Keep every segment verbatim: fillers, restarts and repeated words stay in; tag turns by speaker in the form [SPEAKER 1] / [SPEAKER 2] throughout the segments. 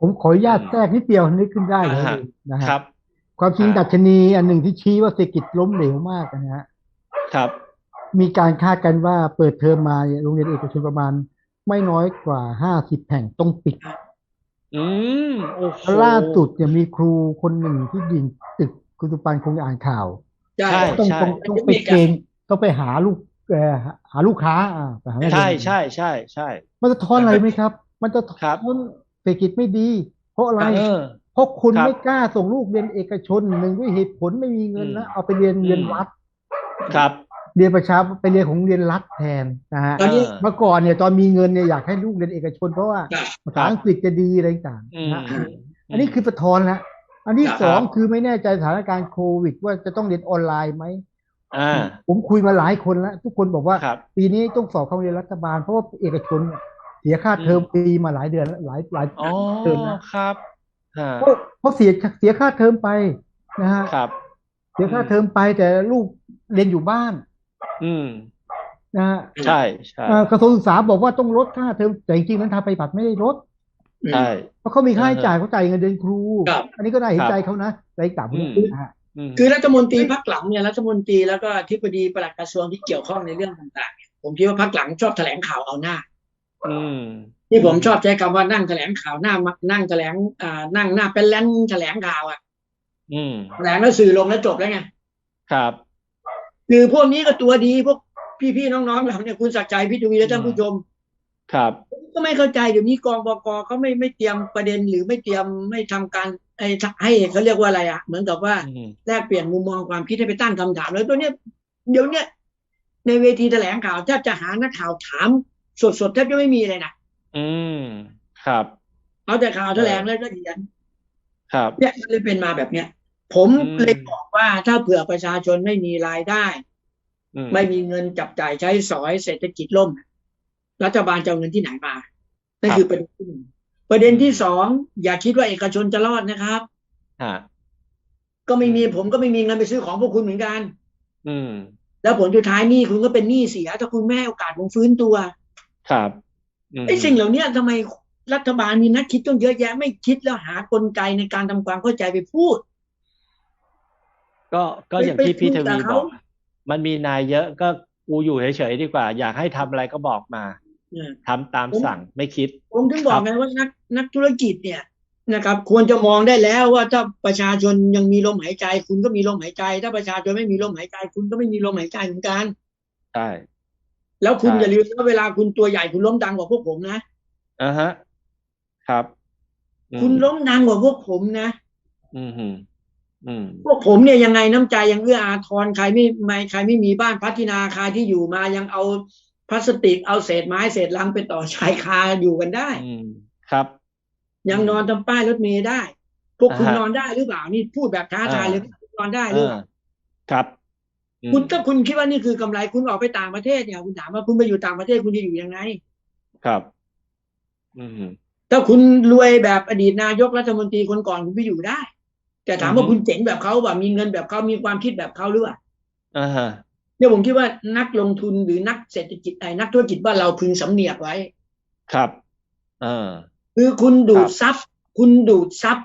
[SPEAKER 1] ผมขออนุ
[SPEAKER 2] อื
[SPEAKER 1] ญาต
[SPEAKER 2] ม
[SPEAKER 1] แทรกนิดเดียวนึกขึ้นได้เลย
[SPEAKER 2] อ่าฮะ
[SPEAKER 1] นะฮะ
[SPEAKER 2] ครับ
[SPEAKER 1] ความจริ
[SPEAKER 2] อ่า
[SPEAKER 1] งดัชนีอันหนึ่งที่ชี้ว่าเศรษฐกิจล้มเหลวมากนะฮะ
[SPEAKER 2] ครับ
[SPEAKER 1] มีการคาดกันว่าเปิดเทอมมาเนี่ยโรงเรียนเอกชนประมาณไม่น้อยกว่าห้าสิบแห่งต้องปิด
[SPEAKER 2] อืมโอ้โห
[SPEAKER 1] แล้วล่าสุดเนี่ยมีครูคนหนึ่งที่ยิงตึกคุณสุปันคงอ่านข่าว
[SPEAKER 3] ใช่
[SPEAKER 2] ใช่
[SPEAKER 1] ต้อง
[SPEAKER 2] ใช่
[SPEAKER 1] ต้อง
[SPEAKER 3] เป็น
[SPEAKER 1] ต้องไป
[SPEAKER 3] เทคนิคอะ
[SPEAKER 1] เกณฑ์ต้องไปหาลูกเอ่อหาลูกค้าอ่าไปหานักเรี
[SPEAKER 2] ใช่
[SPEAKER 1] ยน
[SPEAKER 2] ใช่ใช่ใช่
[SPEAKER 1] มันจะท้อน
[SPEAKER 2] อ่า
[SPEAKER 1] อะไรไหมครับมันจะ
[SPEAKER 2] ครับ
[SPEAKER 1] ท้อนเศรษฐกิจไม่ดีเพราะอะไร
[SPEAKER 3] ครับ
[SPEAKER 2] เออ
[SPEAKER 1] เพราะคุณ
[SPEAKER 2] ครับ
[SPEAKER 1] ไม่กล้าส่งลูกเรียนเอกชนหนึ่งด้วยเหตุผลไม่มี
[SPEAKER 2] อื
[SPEAKER 1] เงิน
[SPEAKER 2] ม
[SPEAKER 1] นะเอาไปเรียน
[SPEAKER 2] อืม
[SPEAKER 1] เรียนรัฐ
[SPEAKER 2] ครับ
[SPEAKER 1] เรียนประชาไปเรียนของโรงเรียนรัฐแทนนะฮะ
[SPEAKER 2] เอ
[SPEAKER 3] ตอนนี้
[SPEAKER 2] อ
[SPEAKER 1] เมื่อก่อนเนี่ยตอนมีเงินเนี่ยอยากให้ลูกเรียนเอกชนเพราะว่า
[SPEAKER 3] ครับ
[SPEAKER 1] ภาษา
[SPEAKER 2] ครับ
[SPEAKER 1] อังกฤษจะดีอะไรต่าง
[SPEAKER 2] อืม
[SPEAKER 1] ๆนะฮะ
[SPEAKER 2] อืม
[SPEAKER 1] อันนี้คือสะท้อนแล้วอันที่
[SPEAKER 3] ครับ
[SPEAKER 1] สอง
[SPEAKER 2] ครับ
[SPEAKER 1] คือไม่แน่ใจสถานการณ์โควิดว่าจะต้องเรียนออนไลน์ไหม
[SPEAKER 2] อ่า
[SPEAKER 1] ผมคุยมาหลายคนแล้วทุกคนบอกว่า
[SPEAKER 2] ครับ
[SPEAKER 1] ปีนี้ต้องสอบเข้าเรียนรัฐบาลเพราะว่าเอกชนเนี่ยเสียค่า
[SPEAKER 2] อืม
[SPEAKER 1] เทอมฟรีมาหลายเดือนแล้วหลายหลาย
[SPEAKER 2] อ๋อ
[SPEAKER 1] เทอมแล้ว
[SPEAKER 2] ครับฮะ
[SPEAKER 1] เพราะเพราะเสียเสียค่าเทอมไปนะฮะ
[SPEAKER 2] ครับ
[SPEAKER 1] เสีย
[SPEAKER 2] อืม
[SPEAKER 1] ค่าเทอมไปแต่ลูกเรียนอยู่บ้าน
[SPEAKER 2] อืม
[SPEAKER 1] นะฮะ
[SPEAKER 2] ใช่ใช่
[SPEAKER 1] เอ่อกระทรวงศึกษาบอกว่าต้องลดค่าเทอมแต่จริงๆนั้นทางปฏิบัติไม่ได้ลด
[SPEAKER 3] อื
[SPEAKER 2] ใช่
[SPEAKER 3] ม
[SPEAKER 1] เพราะเขามี
[SPEAKER 2] เออ
[SPEAKER 1] ค่าใช้จ่ายเขาจ่ายเงินเดือนครู
[SPEAKER 3] ครับ
[SPEAKER 1] อันนี้ก็น่า
[SPEAKER 2] ครับ
[SPEAKER 1] เห็นใจเขานะแต่อีกต่างพวกนี้
[SPEAKER 2] อืม
[SPEAKER 1] นะฮะ
[SPEAKER 2] อืม
[SPEAKER 3] คือรัฐมนตรี
[SPEAKER 1] เฮ้ย
[SPEAKER 3] พักหลังเนี่ยรัฐมนตรีแล้วก็อธิบดีปลัดกระทรวงที่เกี่ยวข้องในเรื่องต่างๆเนี่ยผมคิดว่าพักหลังชอบแถลงข่าวเอาหน้า
[SPEAKER 2] อืม
[SPEAKER 3] ที่
[SPEAKER 2] อืม
[SPEAKER 3] ผมชอบใช้คำว่านั่งแถลงข่าวหน้านั่งแถลงอ่านั่งหน้าเป็นแลนแถลงข่าวอ่ะ
[SPEAKER 2] อืม
[SPEAKER 3] แถลงแล้วสื่อลงแล้วจบแล้วไง
[SPEAKER 2] ครับ
[SPEAKER 3] คือพวกนี้ก็ตัวดีพวกพี่ๆน้องๆเราเนี่ยคุณศักดิ์ใจพี่ทวีและ
[SPEAKER 2] อืม
[SPEAKER 3] ท่านผู้ชม
[SPEAKER 2] ครับ
[SPEAKER 3] ก็ไม่เข้าใจเดี๋ยวนี้กองบกเขาไม่ไม่เตรียมประเด็นหรือไม่เตรียมไม่ทำการไอ้ให้เขาเรียกว่าอะไรอ่ะเหมือนกับว่า
[SPEAKER 2] อืม
[SPEAKER 3] แลกเปลี่ยนมุมมองความคิดให้ไปตั้งคำถามแล้วตัวเนี้ยเดี๋ยวเนี้ยในเวทีแถลงข่าวแทบจะหานักข่าวถามสดๆแทบจะไม่มีเลยนะ
[SPEAKER 2] อืมครับ
[SPEAKER 3] เอาแต่ข่าว
[SPEAKER 2] เออ
[SPEAKER 3] แถลงแล้วก็เขียน
[SPEAKER 2] ครับ
[SPEAKER 3] เนี่ยมันเลยเป็นมาแบบเนี้ยผม
[SPEAKER 2] อืม
[SPEAKER 3] เลยบอกว่าถ้าเผื่อประชาชนไม่มีรายได้
[SPEAKER 2] อืม
[SPEAKER 3] ไม่มีเงินจับจ่ายใช้สอยเศรษฐกิจล่มรัฐบาลจะเอาเงินที่ไหนมา
[SPEAKER 2] ค
[SPEAKER 3] นั่น
[SPEAKER 2] รับ
[SPEAKER 3] คือประเด็นที่หนึ่งประเด็น
[SPEAKER 2] อืม
[SPEAKER 3] ที่สองอย่าคิดว่าเอกชนจะรอดนะครับ
[SPEAKER 2] ฮะ
[SPEAKER 3] ก็ไม่
[SPEAKER 2] อืม
[SPEAKER 3] มีผมก็ไม่มีเงินไปซื้อของพวกคุณเหมือนกัน
[SPEAKER 2] อืม
[SPEAKER 3] แล้วผลสุดท้ายหนี้คุณก็เป็นหนี้เสียถ้าคุณไม่ให้โอกาสผมฟื้นตัว
[SPEAKER 2] ครับอืม
[SPEAKER 3] ไอ้สิ่งเหล่านี้ทำไมรัฐบาลมีนักคิดต้องเยอะแยะไม่คิดแล้วหากลไกในการทำความเข้าใจไปพูด
[SPEAKER 2] ก็ก็
[SPEAKER 3] ไปไป
[SPEAKER 2] อย่างที่พี่
[SPEAKER 3] คุยกับเขา
[SPEAKER 2] ทวีบอกมันมีนายเยอะก็กูอยู่เฉยๆดีกว่าอยากให้ทำอะไรก็บอกมา
[SPEAKER 3] เนี่ย
[SPEAKER 2] ทำตาม
[SPEAKER 3] ผม
[SPEAKER 2] สั่งไม่คิด
[SPEAKER 3] ผมถึง
[SPEAKER 2] ครับ
[SPEAKER 3] บอกไงว่านักนักธุรกิจเนี่ยนะครับควรจะมองได้แล้วว่าถ้าประชาชนยังมีลมหายใจคุณก็มีลมหายใจถ้าประชาชนไม่มีลมหายใจคุณก็ไม่มีลมหายใจเหมือนกัน
[SPEAKER 2] ใช่
[SPEAKER 3] แล้วคุณ
[SPEAKER 2] ใช่
[SPEAKER 3] อย่าลืมว่าเวลาคุณตัวใหญ่คุณล้มดังกว่าพวกผมนะ
[SPEAKER 2] อ่าฮะครับอืม
[SPEAKER 3] คุณล้มดังกว่าพวกผมนะ
[SPEAKER 2] อืมอืมอืม
[SPEAKER 3] พวกผมเนี่ยยังไงน้ำใจยังเอื้ออาทรใครไม่ไม่ใครไม่มีบ้านพัฒนาคารที่อยู่มายังเอาพลาสติกเอาเศษไม้เศษลังไปต่อชายคาอยู่กันได้
[SPEAKER 2] อืมครับอื
[SPEAKER 3] ยัง
[SPEAKER 2] ม
[SPEAKER 3] นอนทำป้ายรถเมล์ได้พวก
[SPEAKER 2] อ่าฮะ
[SPEAKER 3] คุณนอนได้หรือเปล่านี่พูดแบบท้า
[SPEAKER 2] อ่า
[SPEAKER 3] ทายเลยคุณนอนได้
[SPEAKER 2] อ่า
[SPEAKER 3] หรือเปล่า
[SPEAKER 2] ครับอืม
[SPEAKER 3] คุณถ้าคุณคิดว่านี่คือกำไรคุณออกไปต่างประเทศเนี่ยคุณถามว่าคุณไปอยู่ต่างประเทศคุณจะอยู่ยังไง
[SPEAKER 2] ครับอืม
[SPEAKER 3] ถ้าคุณรวยแบบอดีตนายกรัฐมนตรีคนก่อนคุณไปอยู่ได้ แต่ถาม
[SPEAKER 2] อืม
[SPEAKER 3] ว่าคุณเจ๋งแบบเขาแบบมีเงินแบบเขามีความคิดแบบเขาหรือเปล่า
[SPEAKER 2] อ่าฮะ
[SPEAKER 3] เนี่ยผมคิดว่านักลงทุนหรือนักเศรษฐกิจไอ้นักธุรกิจบ้านเราพึงสำเนียกไว้
[SPEAKER 2] ครับเออ
[SPEAKER 3] คือคุณ
[SPEAKER 2] ค
[SPEAKER 3] ดู
[SPEAKER 2] รับ
[SPEAKER 3] ดซับคุณดูดซับ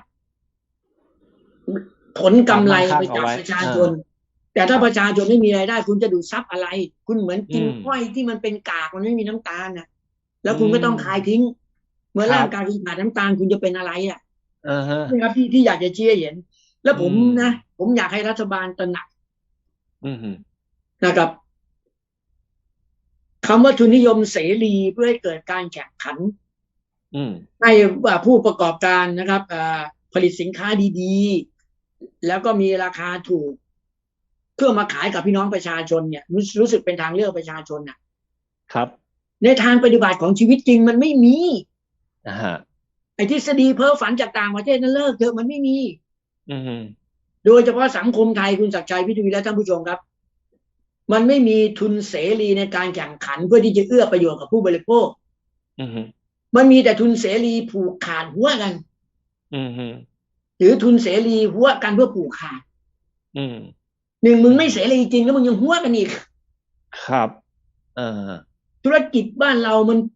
[SPEAKER 3] ผล
[SPEAKER 2] ความ
[SPEAKER 3] กำไร
[SPEAKER 2] มั่งคั่
[SPEAKER 3] ไปจาก
[SPEAKER 2] งเอาไว้
[SPEAKER 3] ประชา
[SPEAKER 2] เออ
[SPEAKER 3] ชนแต่
[SPEAKER 2] ค
[SPEAKER 3] ถ้า
[SPEAKER 2] รับ
[SPEAKER 3] ประชาชนไม่มีรายได้คุณจะดูดซับอะไรคุณเหมือนกิน
[SPEAKER 2] อืม
[SPEAKER 3] อ้อยที่มันเป็นกากมันไม่มีน้ำตาลน่ะแล้
[SPEAKER 2] อื
[SPEAKER 3] วคุณก็ต้องคาย
[SPEAKER 2] ม
[SPEAKER 3] ทิ้งเมื่อ
[SPEAKER 2] ครับ
[SPEAKER 3] ร่างกายคุณขาดน้ำตาลคุณจะเป็นอะไรอ่ะ
[SPEAKER 2] อ่าฮะ
[SPEAKER 3] นี่ครับที่ที่อยากจะเชี้เห็นแล้ว
[SPEAKER 2] อื
[SPEAKER 3] ผม
[SPEAKER 2] ม
[SPEAKER 3] นะผมอยากให้รัฐบาลตระหนัก
[SPEAKER 2] อืม
[SPEAKER 3] นะครับคำว่าทุนนิยมเสรีเพื่อให้เกิดการแข่งขัน
[SPEAKER 2] อืม
[SPEAKER 3] ให้ผู้ประกอบการนะครับผลิตสินค้าดีๆแล้วก็มีราคาถูกเพื่อมาขายกับพี่น้องประชาชนเนี่ยรู้รู้สึกเป็นทางเลือกประชาชนนะครับในทางปฏิบัติของชีวิตจริงมันไม่มี
[SPEAKER 2] อ่าฮะ
[SPEAKER 3] ไอ้ทฤษฎีเพ้อฝันจากต่างประเทศนั้นเลิกเถอะมันไม่มี
[SPEAKER 2] อืม
[SPEAKER 3] โดยเฉพาะสังคมไทยคุณศักดิ์ชัยพิทวีและท่านผู้ชมครับมันไม่มีทุนเสรีในการแข่งขันเพื่อที่จะเอื้อประโยชน์กับผู้บริโภค
[SPEAKER 2] อืม
[SPEAKER 3] มันมีแต่ทุนเสรีผูกขาดหัวกัน
[SPEAKER 2] อืม
[SPEAKER 3] หรือทุนเสรีหัวกันเพื่อผูกขาด
[SPEAKER 2] อืม
[SPEAKER 3] หนึ่งมึ
[SPEAKER 2] อืม
[SPEAKER 3] งไม่เสรีจริงแล้วมึงยังหัวกันอีก
[SPEAKER 2] ครับเออ
[SPEAKER 3] ธุรกิจบ้านเรามัน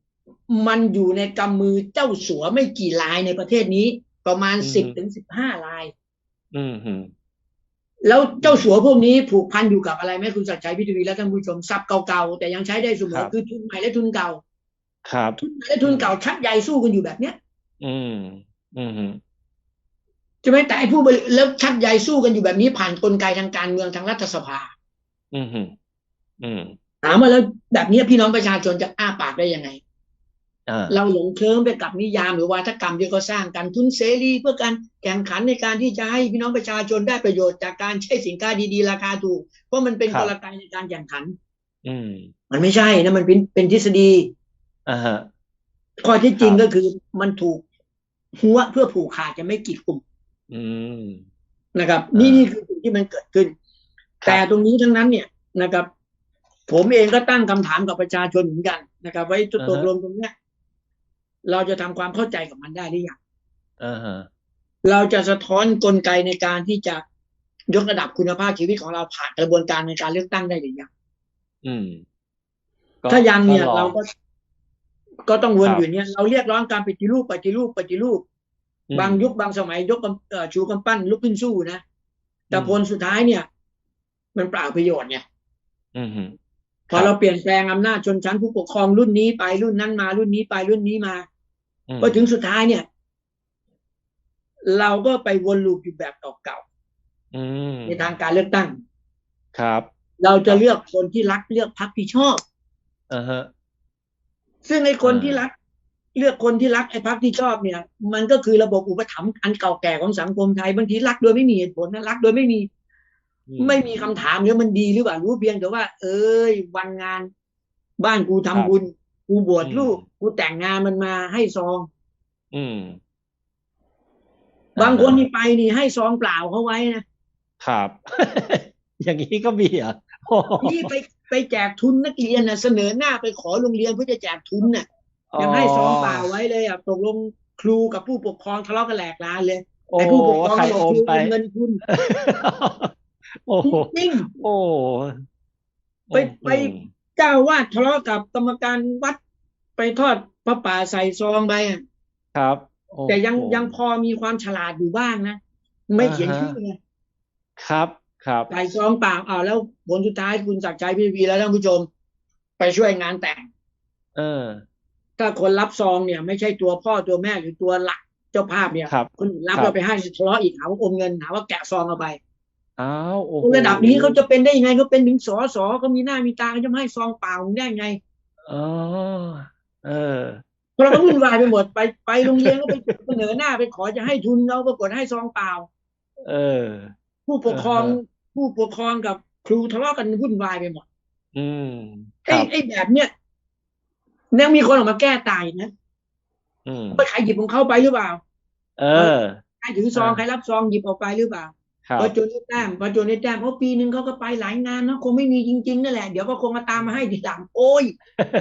[SPEAKER 3] มันอยู่ในกำมือเจ้าสัวไม่กี่รายในประเทศนี้ ประมาณ
[SPEAKER 2] อืม
[SPEAKER 3] สิบถึงสิบห้าราย
[SPEAKER 2] อืมฮึ
[SPEAKER 3] แล้วเจ้าสัวพวกนี้ผูกพันอยู่กับอะไรไหมคุณศักดิ์ชัย พิทวีและท่านผู้ชมทรัพย์เก่าๆแต่ยังใช้ได้เสม
[SPEAKER 2] ครั
[SPEAKER 3] อบ คือทุนใหม่และทุนเก่า
[SPEAKER 2] ครับ
[SPEAKER 3] ทุนใหม่และทุนเก่าชักใยสู้กันอยู่แบบเนี้ย
[SPEAKER 2] อืมอืมฮึ
[SPEAKER 3] ใช่ไหมแต่ไอ้ผู้บริแล้วชักใยสู้กันอยู่แบบนี้ผ่านกลไกทางการเมืองทางรัฐสภา
[SPEAKER 2] อืมฮึอืม
[SPEAKER 3] ถามว่าแล้วแบบนี้พี่น้องประชาชนจะอ้าปากได้ยังไง
[SPEAKER 2] อ่า
[SPEAKER 3] เราหลงเคลิ้มไปกับนิยามหรือวาทกรรมที่เขาสร้างกันทุนเสรีเพื่อการแข่งขันในการที่จะให้พี่น้องประชาชนได้ประโยชน์จากการใช้สินค้าดีๆราคาถูกเพราะมันเป็นกลไกในการแข่งขัน
[SPEAKER 2] อืม
[SPEAKER 3] มันไม่ใช่นะมันเป็นเป็นทฤษฎี
[SPEAKER 2] อ่าฮะ
[SPEAKER 3] ข้อที่จริง
[SPEAKER 2] ครับ
[SPEAKER 3] ก็คือมันถูกหัวเพื่อผูกขาดจะไม่กีดกลุ่ม
[SPEAKER 2] อืม
[SPEAKER 3] นะครับ
[SPEAKER 2] อ่านี่
[SPEAKER 3] นี่นี่คือสิ่งที่มันเกิดขึ้น
[SPEAKER 2] ครับ
[SPEAKER 3] แต่ตรงนี้ทั้งนั้นเนี่ยนะครับ ผมเองก็ตั้งคำถามกับประชาชนเหมือนกันนะครับว่าจุด
[SPEAKER 2] อ่าฮะ
[SPEAKER 3] ตกลงตรงเนี้ยเราจะทำความเข้าใจกับมันได้หรือยัง
[SPEAKER 2] อ่าฮะ
[SPEAKER 3] เราจะสะท้อนกลไกในการที่จะยกระดับคุณภาพชีวิตของเราผ่านกระบวนการในการเลือกตั้งได้หรือยัง
[SPEAKER 2] อืมก็
[SPEAKER 3] ถ้ายังเนี่ย
[SPEAKER 2] ก็ลอง
[SPEAKER 3] เราก็ก็ต้องวน
[SPEAKER 2] ครับ
[SPEAKER 3] อยู่เนี่ยเราเรียกร้องการปฏิรูปปฏิรูปปฏิรูป
[SPEAKER 2] อืม
[SPEAKER 3] บางยุคบางสมัยยกกำเอ่อชูกำปั้นลุกขึ้นสู้นะแต่
[SPEAKER 2] อืม
[SPEAKER 3] ผลสุดท้ายเนี่ย มันเปล่าประโยชน์ไง
[SPEAKER 2] อืมฮึ
[SPEAKER 3] พอเราเปลี่ยนแปลงอำนาจชนชั้นผู้ปกครองรุ่นนี้ไปรุ่นนั้นมารุ่นนี้ไปรุ่นนี้มา
[SPEAKER 2] อืม
[SPEAKER 3] พอถึงสุดท้ายเนี่ย เราก็ไปวนลูปอยู่แบบเก่า
[SPEAKER 2] อืม
[SPEAKER 3] ๆในทางการเลือกตั้ง
[SPEAKER 2] ครับ
[SPEAKER 3] เราจะเลือกคนที่รักเลือกพรรคที่ชอบ
[SPEAKER 2] อ่าฮะ
[SPEAKER 3] ซึ่งไอ้คน
[SPEAKER 2] อ่า
[SPEAKER 3] ที่รัก เลือกคนที่รักไอ้พรรคที่ชอบเนี่ย มันก็คือระบบอุปถัมภ์อันเก่าแก่ของสังคมไทยบางทีรักโดยไม่มีเหตุผลนะรักโดยไม่มี
[SPEAKER 2] อื
[SPEAKER 3] ไม่มีคำถามเนี่ยมันดีหรือเปล่ารู้เพียงแต่ว่า เอ้ยวันงาน บ้านกูทำบุญกูบวชลูกกูแต่งงานมันมาให้ซอง
[SPEAKER 2] อืม
[SPEAKER 3] บางคนนี่ไปนี่ให้ซองเปล่าเขาไว้นะครับ
[SPEAKER 2] อย่างนี้ก็มีเหรอโอ้โห
[SPEAKER 3] นี่ไปไปแจกทุนนักเรียนนะเสนอหน้าไปขอโรงเรียนเพื่อจะแจกทุนน่ะยังให้ซองเปล่าไว้เลยอ่ะตกลงครูกับผู้ปกครองทะเลาะกันแหลกลานเลย
[SPEAKER 2] โอ้
[SPEAKER 3] ไอ้ผู้ปกครอง
[SPEAKER 2] ใคร
[SPEAKER 3] บอก
[SPEAKER 2] โอ
[SPEAKER 3] ค
[SPEAKER 2] ม
[SPEAKER 3] รู
[SPEAKER 2] ไป
[SPEAKER 3] เป็นเงินทุน
[SPEAKER 2] โอ้โห
[SPEAKER 3] จริง
[SPEAKER 2] โอ้
[SPEAKER 3] ไปไป เจ้าวาดทะเลาะกับกรรมการวัดไปทอดพระป่าใส่ซองไปอ่ะ
[SPEAKER 2] ครับโอ้
[SPEAKER 3] แต่ยัง
[SPEAKER 2] โห
[SPEAKER 3] ยังพอมีความฉลาดอยู่บ้างนะไม่เขียน
[SPEAKER 2] อ่าฮะ
[SPEAKER 3] ชื่อไง
[SPEAKER 2] ครับครับ
[SPEAKER 3] ใส่ซองเปล่าอ้าวแล้วผลสุดท้ายคุณศักดิ์ชัยพี่วีและท่านผู้ชม ไปช่วยงานแต่ง
[SPEAKER 2] เออ
[SPEAKER 3] ถ้าคนรับซองเนี่ย ไม่ใช่ตัวพ่อตัวแม่หรือตัวหลักเจ้าภาพเนี่ย
[SPEAKER 2] ครับ
[SPEAKER 3] คนอื่นรับ
[SPEAKER 2] ครับ
[SPEAKER 3] เราไปให้ทะเลาะอีกหาว่าอมเงินหาว่าแกะซองเอาไป
[SPEAKER 2] อ้าวโอ้โห
[SPEAKER 3] ระดับนี้เขาจะเป็นได้ยังไงเขาเป็นถึงสอสอเขามีหน้ามีตาเขาจะไม่ให้ซองเปล่าได้ไง
[SPEAKER 2] อ๋อเออ
[SPEAKER 3] เพราะเราก็วุ่นวายไปหมดไปไปโรงเรียนก็ไปเสนอหน้าไปขอจะให้ทุนเราปรากฏให้ซองเปล่า
[SPEAKER 2] เออ
[SPEAKER 3] ผู้ปกครอง
[SPEAKER 2] อ่าฮะ
[SPEAKER 3] ผู้ปกครองกับครูทะเลาะกันวุ่นวายไปหมด
[SPEAKER 2] อืมค
[SPEAKER 3] ไอ้
[SPEAKER 2] รับ
[SPEAKER 3] ไอ้แบบเนี้ยยังมีคนออกมาแก้ตายนะ
[SPEAKER 2] อืม
[SPEAKER 3] ว่าใครหยิบของเขาไปหรือเปล่า
[SPEAKER 2] เออ
[SPEAKER 3] ใครถือซอง
[SPEAKER 2] อ่า
[SPEAKER 3] ใครรับซองหยิบออกไปหรือเปล่า
[SPEAKER 2] ครับ
[SPEAKER 3] พอจนได้แต้มพอจนได้แต้มเพราะปีหนึ่งเขาก็ไปหลายงานเนาะคงไม่มีจริงๆนั่นแหละเดี๋ยวก็คงมาตามมาให้ทีหลังโอ้ย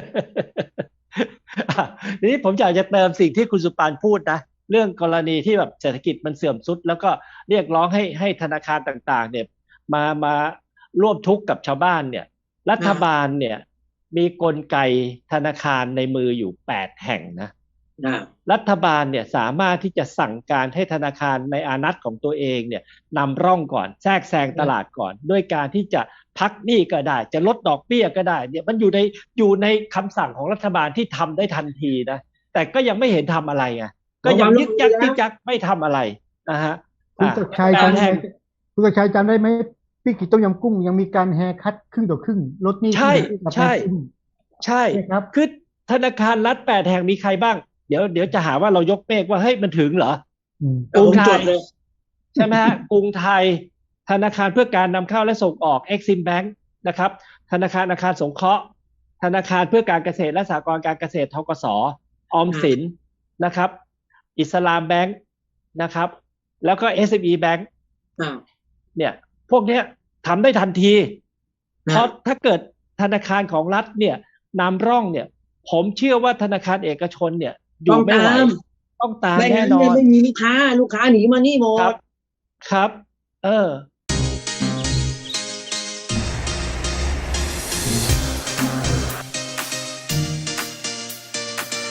[SPEAKER 2] อ่ะทีนี้ผมอยากจะเติมสิ่งที่คุณสุปานพูดนะเรื่องกรณีที่แบบเศรษฐกิจมันเสื่อมทรุดแล้วก็เรียกร้องให้ให้ธนาคารต่างๆ เนี่ยมามาร่วมทุกข์กับชาวบ้านเนี่ย รัฐบาลเนี่ย มีกลไกธนาคารในมืออยู่แปดแห่งนะ
[SPEAKER 3] นะ
[SPEAKER 2] รัฐบาลเนี่ยสามารถที่จะสั่งการให้ธนาคารในอานัตของตัวเองเนี่ยนำร่องก่อนแทรกแซงตลาดก่อน ด้วยการที่จะพักหนี้ก็ได้ จะลดดอกเบี้ยก็ได้เนี่ยมันอยู่ในอยู่ในคำสั่งของรัฐบาลที่ทำได้ทันทีนะแต่ก็ยังไม่เห็นทำอะไรไงก็ยังยึกยักยึกยักไม่ทำอะไรนะฮะ
[SPEAKER 1] คุณศักดิ์ชัย
[SPEAKER 2] แป
[SPEAKER 1] จำ
[SPEAKER 2] ด
[SPEAKER 1] ได้
[SPEAKER 2] แห่ง
[SPEAKER 1] คุณศักดิ์ชัยจำได้ไหมพี่กิจต้มยำกุ้งยังมีการแฮร์คัทครึ่งต่อครึ่งลดหนี้
[SPEAKER 2] ใช่
[SPEAKER 1] ครึ่งกับ
[SPEAKER 2] ใช่
[SPEAKER 1] แฮร์ครึ่ง
[SPEAKER 2] ใช่
[SPEAKER 1] ใช่ครับ
[SPEAKER 2] คือธนาคารรัฐแปดแห่งมีใครบ้างเดี๋ยวเดี๋ยวจะหาว่าเรายกเมฆว่าเฮ้ยมันถึงเหรอ
[SPEAKER 1] อืม
[SPEAKER 3] แต่ผมจดเลย
[SPEAKER 2] ใช่ไหมฮะ กรุงไทยธนาคารเพื่อการนำเข้าและส่งออก Exim Bank นะครับธนาคารอาคารสงเคราะห์ธนาคารเพื่อการเกษตรและสหกรณ์การเกษตรธกสออมสินนะครับอิสลามแบงค์นะครับแล้วก็ เอส เอ็ม อี Bank
[SPEAKER 3] อ่า
[SPEAKER 2] เนี่ยพวกเนี้ยทำได้ทันที
[SPEAKER 3] นะ
[SPEAKER 2] เพราะถ้าเกิดธนาคารของรัฐเนี่ยนำร่องเนี่ยผมเชื่อว่าธนาคารเอกชนเนี่ยอยู่ไม่ไหว
[SPEAKER 3] ต้องตาม
[SPEAKER 2] ต้องตาม
[SPEAKER 3] ไม่
[SPEAKER 2] แน่
[SPEAKER 3] งั้น
[SPEAKER 2] นอ
[SPEAKER 3] เนี่ย
[SPEAKER 2] น
[SPEAKER 3] ไม่มีลูกค้าลูกค้าหนีมานี่หม
[SPEAKER 2] ครั
[SPEAKER 3] ด
[SPEAKER 2] บ ครับ เออ